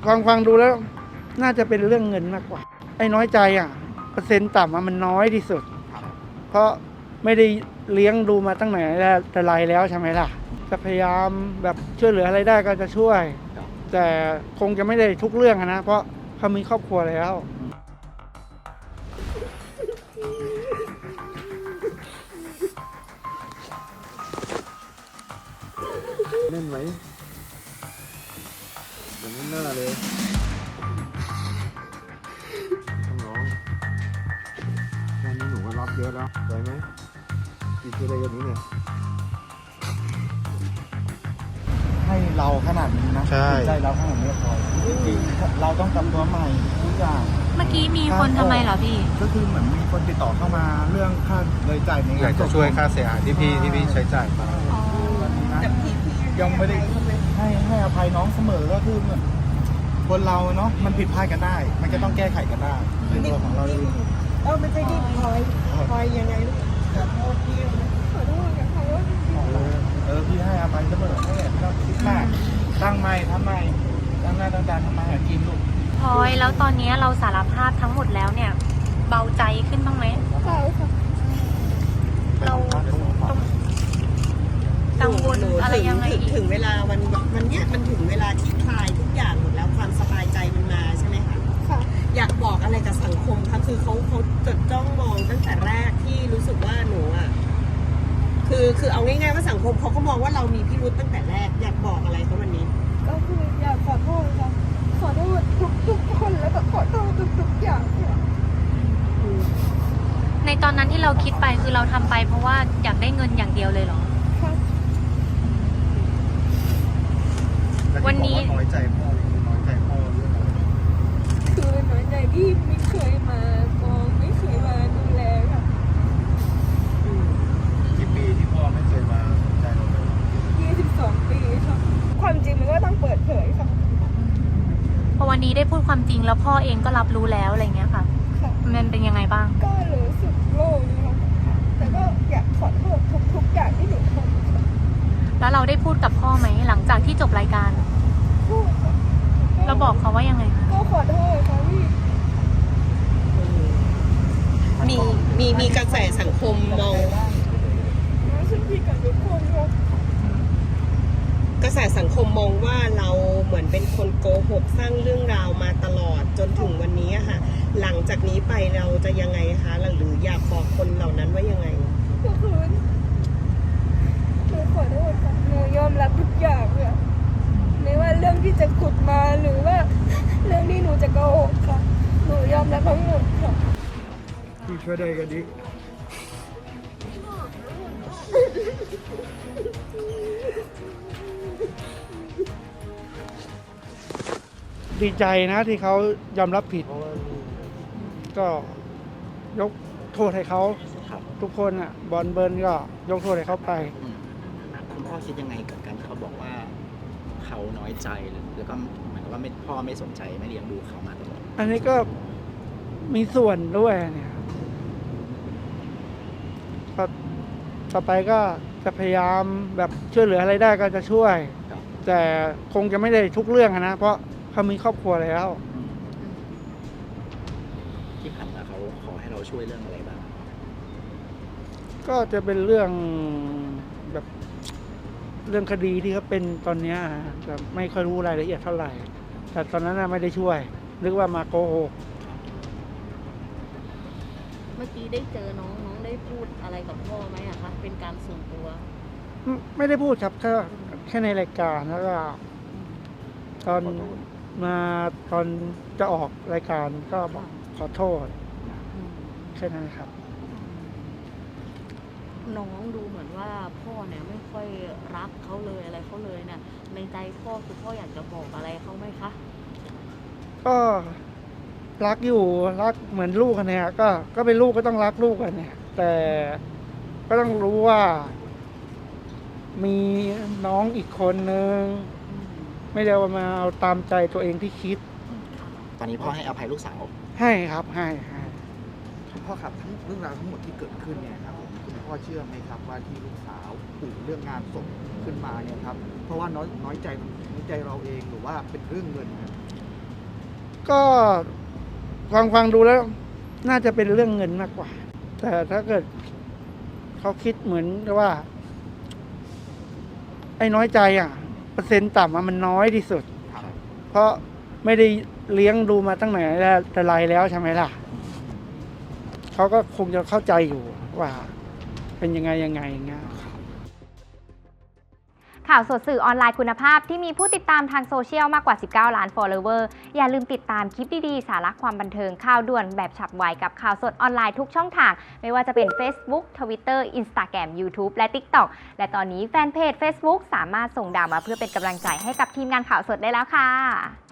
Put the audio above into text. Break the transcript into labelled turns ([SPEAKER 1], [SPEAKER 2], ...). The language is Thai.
[SPEAKER 1] ฟังดูแล้วน่าจะเป็นเรื่องเงินมากกว่าไอ้น้อยใจเปอร์เซ็นต์ต่ำมันน้อยที่สุดเพราะไม่ได้เลี้ยงดูมาตั้งไหนแต่ไรแล้วใช่ไหมล่ะจะพยายามแบบช่วยเหลืออะไรได้ก็จะช่วยแต่คงจะไม่ได้ทุกเรื่องนะเพราะเขามีครอบครัวแล้ว
[SPEAKER 2] เล่นไหมอย่างนี้หน้าเลยต้องร้องแค่นี้หนูก็รับเยอะแล้วสวยไหมกินอะไรอย่างนี้เนี่ยให้เราขนาดนี้นะใจเราขนาดนี้พอจริงๆเราต้องทำตัวใหม่ทุกอย่าง
[SPEAKER 3] เมื่อกี้มีคนทำไมเหรอพี่
[SPEAKER 2] ก็คือเหมือนมีคนติดต่อเข้ามาเรื่องค่าเลยจ่ายในอยากจะช่วยค่าเสียหายที่พี่ใช้จ่ายไปยังไม่ได้ให้อภัยน้องเสมอก็คือเหมือนคนเราเนาะมันผิดพลาดกันได้มันก็ต้องแก้ไขกันได้ในตัวของเราเอง
[SPEAKER 4] ไม่ใช่ที่พลอยยังไงลูกขอโทษพี่ขอโทษกับเขา
[SPEAKER 2] พี่ให้อภัยเสมอไม่ต้องคิดมากตั้งใหม่ทำใหม่ตั้งหน้าตั้งตาทำมาหากินลูก
[SPEAKER 3] พลอยแล้วตอนนี้เราสารภาพทั้งหมดแล้วเนี่ยเบาใจขึ้นบ้างไหม
[SPEAKER 4] เบาค่ะ
[SPEAKER 3] เรากังวลอะไรยังไง
[SPEAKER 4] ถึงเวลาวันเนี้ยมันถึงเวลาที่คลายทุกอย่างหมดแล้วความสบายใจมันมาใช่ไหมคะค่ะอยากบอกอะไรกับสังคมคะคือเขาจดจ้องมองตั้งแต่แรกที่รู้สึกว่าหนูคือเอาง่ายๆว่าสังคมเขาก็มองว่าเรามีพิรุธตั้งแต่แรกอยากบอกอะไรเขาวันนี้ก็คืออยากขอโทษค่ะขอโทษทุกคนแล้วก็ขอโทษทุกอย่างค่ะ
[SPEAKER 3] ในตอนนั้นที่เราคิดไปคือเราทำไปเพราะว่าอยากได้เงินอย่างเดียวเลยเหรอวันนี้
[SPEAKER 2] น้อยใจพ่อเรื่องอะไร
[SPEAKER 4] คือน้อยใจที่ไม่เคยมามองไม่เคยมาดูแลค่ะ
[SPEAKER 2] กี่ปีที่พ่อไม่เคยมาสนใจเราเลย
[SPEAKER 4] 22 ปีค่ะความจริงมันก็ต้องเปิดเผยค่ะ
[SPEAKER 3] พอวันนี้ได้พูดความจริงแล้วพ่อเองก็รับรู้แล้วอะไรเงี้ยค่ะมันเป็นยังไงบ้าง
[SPEAKER 4] ก็รู้สึกโล่งนะคะแต่ก็อยากขอโทษทุกอย่างที่หนูทำ
[SPEAKER 3] แล้วเราได้พูดกับพ่อไหมหลังจากที่จบรายการ
[SPEAKER 4] พูด
[SPEAKER 3] เราบอกเขาว่ายังไง
[SPEAKER 4] ก็ขอโทษค่ะพี่มีกระแสสังคมมองฉันผิดกับทุกคนครับกระแสสังคมมองว่าเราเหมือนเป็นคนโกหกสร้างเรื่องราวมาตลอดจนถึงวันนี้ค่ะหลังจากนี้ไปเราจะยังไงคะหรืออยากบอกคนเหล่านั้นว่ายังไงก็คือหนูขอโทษค่ะหนูยอมรับทุกอย่างเลยไม่ว่าเรื่องที่จะขุดมาหรือว่าเรื่องที่หนูจะโกหกค่ะหนูยอมรับทั้งหมดค่ะ
[SPEAKER 2] ที่ช่วยได้กันดิ
[SPEAKER 1] ดีใจนะที่เขายอมรับผิดก็ยกโทษให้เขาทุกคนบอลเบิร์นก็ยกโทษให้เขาไป
[SPEAKER 5] คุณพ่อคิดยังไงกับการที่เขาบอกว่าเขาน้อยใจแล้วก็เหมือนกับว่าพ่อไม่สนใจไม่เลี้ยงดูเขามาตลอด
[SPEAKER 1] อันนี้ก็มีส่วนด้วยเนี่ยต่อไปก็จะพยายามแบบช่วยเหลืออะไรได้ก็จะช่วยแต่คงจะไม่ได้ทุกเรื่องนะเพราะเขามีครอบครัวแล้ว
[SPEAKER 5] ที่ผ่านมาเขาขอให้เราช่วยเรื่องอะไรบ้าง
[SPEAKER 1] ก็จะเป็นเรื่องแบบเรื่องคดีที่เขาเป็นตอนนี้แต่ไม่ค่อยรู้รายละเอียดเท่าไหร่แต่ตอนนั้นไม่ได้ช่วยนึกว่ามาโกหก
[SPEAKER 6] เมื่อกี้ได้เจอน้องได้พูดอะไรกับพ่อไหมอะคะเป็นการส่วนตัว
[SPEAKER 1] ไม่ได้พูดครับแค่ในรายการแล้วก็ตอนจะออกรายการก็บอกขอโทษแค่นั้นครับ
[SPEAKER 6] น้องดูเหมือนว่าพ่อเนี่ยไม่ค่อยรักเขาเลยอะไรเขาเลยเนี่ยในใจพ่อคือพ่ออยากจะบอกอะไรเขาไหมคะ
[SPEAKER 1] ก็รักอยู่รักเหมือนลูกกันเนี่ยก็เป็นลูกก็ต้องรักลูกกันเนี่ยแต่ก็ต้องรู้ว่ามีน้องอีกคนนึงไม่ได้ว่ามาเอาตามใจตัวเองที่คิด
[SPEAKER 5] ตอนนี้พ่อให้อภัยลูกสาว
[SPEAKER 1] ให้ครับให้
[SPEAKER 2] พ่อครับทั้งเรื่องราวทั้งหมดที่เกิดขึ้นเนี่ยครับผมคุณพ่อเชื่อไหมครับว่าที่ลูกสาวปู่เรื่องงานศพขึ้นมาเนี่ยครับเพราะว่าน้อยใจเราเองหรือว่าเป็นเรื่องเงิน
[SPEAKER 1] ก็ฟังดูแล้ว น่าจะเป็นเรื่องเงินมากกว่า แต่ถ้าเกิดเขาคิดเหมือนกับว่า ไอ้น้อยใจเปอร์เซ็นต์ต่ำมันน้อยที่สุด เพราะไม่ได้เลี้ยงดูมาตั้งแต่ไรแล้วใช่ไหมล่ะ เขาก็คงจะเข้าใจอยู่ว่า เป็นยังไงอย่างเงี้ย
[SPEAKER 7] ข่าวสดสื่อออนไลน์คุณภาพที่มีผู้ติดตามทางโซเชียลมากกว่า 19 ล้าน follower อย่าลืมติดตามคลิปดีๆ สาระความบันเทิงข่าวด่วนแบบฉับไวกับข่าวสดออนไลน์ทุกช่องทาง ไม่ว่าจะเป็น Facebook Twitter Instagram YouTube และ TikTok และตอนนี้แฟนเพจ Facebook สามารถส่งดาวมาเพื่อเป็นกำลังใจให้กับทีมงานข่าวสดได้แล้วค่ะ